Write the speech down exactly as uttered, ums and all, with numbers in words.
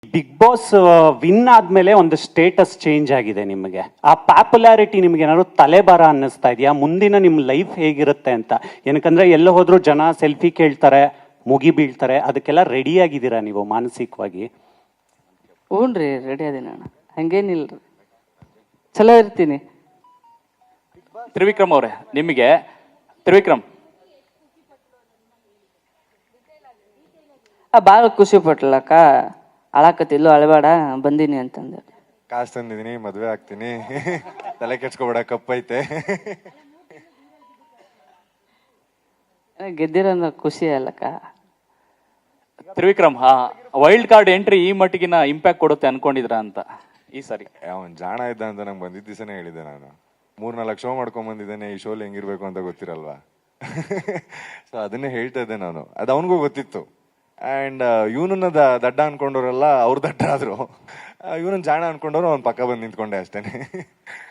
Big boss win ಆದ್ಮೇಲೆ ಒಂದು status change ಆಗಿದೆ ನಿಮಗೆ. ಆ ಪಾಪ್ಯುಲಾರಿಟಿ ನಿಮ್ಗೆ ಏನಾದ್ರು ತಲೆಬಾರ ಅನ್ನಿಸ್ತಾ ಇದೆಯಾ? ಮುಂದಿನ ನಿಮ್ಮ ಲೈಫ್ ಹೇಗಿರುತ್ತೆ ಅಂತ. ಏನಕ್ಕಂದ್ರೆ ಎಲ್ಲ ಹೋದ್ರು ಜನ ಸೆಲ್ಫಿ ಕೇಳ್ತಾರೆ, ಮುಗಿ ಬೀಳ್ತಾರೆ, ಅದಕ್ಕೆಲ್ಲ ರೆಡಿ ಆಗಿದ್ದೀರಾ ನೀವು ಮಾನಸಿಕವಾಗಿ? ಹ್ಞೂ ರೀ, ರೆಡಿ ಅದೇನ ಅಣ್ಣ, ಹಂಗೇನಿಲ್ರಿ, ಚಲೋ ಇರ್ತೀನಿ. ತ್ರಿವಿಕ್ರಮ್ ಅವರೇ, ನಿಮಗೆ ತ್ರಿವಿಕ್ರಮ್ ಭಾಳ ಖುಷಿ ಪಟ್ಲಕ್ಕ, ಅಳಾಕತ್ತಿಲ್ಲೋ ಅಳಬೇಡ ಬಂದೀನಿ ಅಂತಂದೆ. ಕಾಸು ತಂದಿದ್ದೀನಿ, ಮದುವೆ ಆಗ್ತೀನಿ, ತಲೆ ಕೆಡ್ಸ್ಕೊಬೇಡ, ಕಪ್ಪೈತೆ. ಗೆದ್ದಿರೋ ಖುಷಿ ಅಲ್ಲಕ್ಕ. ತ್ರಿವಿಕ್ರಮ್, ಹಾ ವೈಲ್ಡ್ ಕಾರ್ಡ್ ಎಂಟ್ರಿ ಈ ಮಟ್ಟಿಗಿನ ಇಂಪ್ಯಾಕ್ಟ್ ಕೊಡುತ್ತೆ ಅನ್ಕೊಂಡಿದ್ರ ಅಂತ ಈ ಸಾರಿ? ಅವನ್ ಜಾಣ ಇದ್ದ ಅಂತ ನಂಗೆ ಬಂದಿದ್ದ ದಿವಸನೇ ಹೇಳಿದ್ದೆ. ನಾನು ಮೂರ್ನಾಲ್ಕು ಶೋ ಮಾಡ್ಕೊಂಡ್ ಬಂದಿದ್ದೇನೆ, ಈ ಶೋಲಿ ಹೆಂಗಿರ್ಬೇಕು ಅಂತ ಗೊತ್ತಿರಲ್ವಾ. ಸೊ ಅದನ್ನೇ ಹೇಳ್ತಾ ಇದ್ದೆ ನಾನು, ಅದು ಅವನಿಗೂ ಗೊತ್ತಿತ್ತು. ಆ್ಯಂಡ್ ಇವನನ್ನ ದಡ್ಡ ಅನ್ಕೊಂಡವ್ರೆಲ್ಲ ಅವ್ರು ದಡ್ಡ ಆದ್ರು, ಇವನನ್ನ ಜಾಣ ಅನ್ಕೊಂಡವ್ರು ಅವ್ನ ಪಕ್ಕ ಬಂದು ನಿಂತ್ಕೊಂಡೆ ಅಷ್ಟೇನೆ.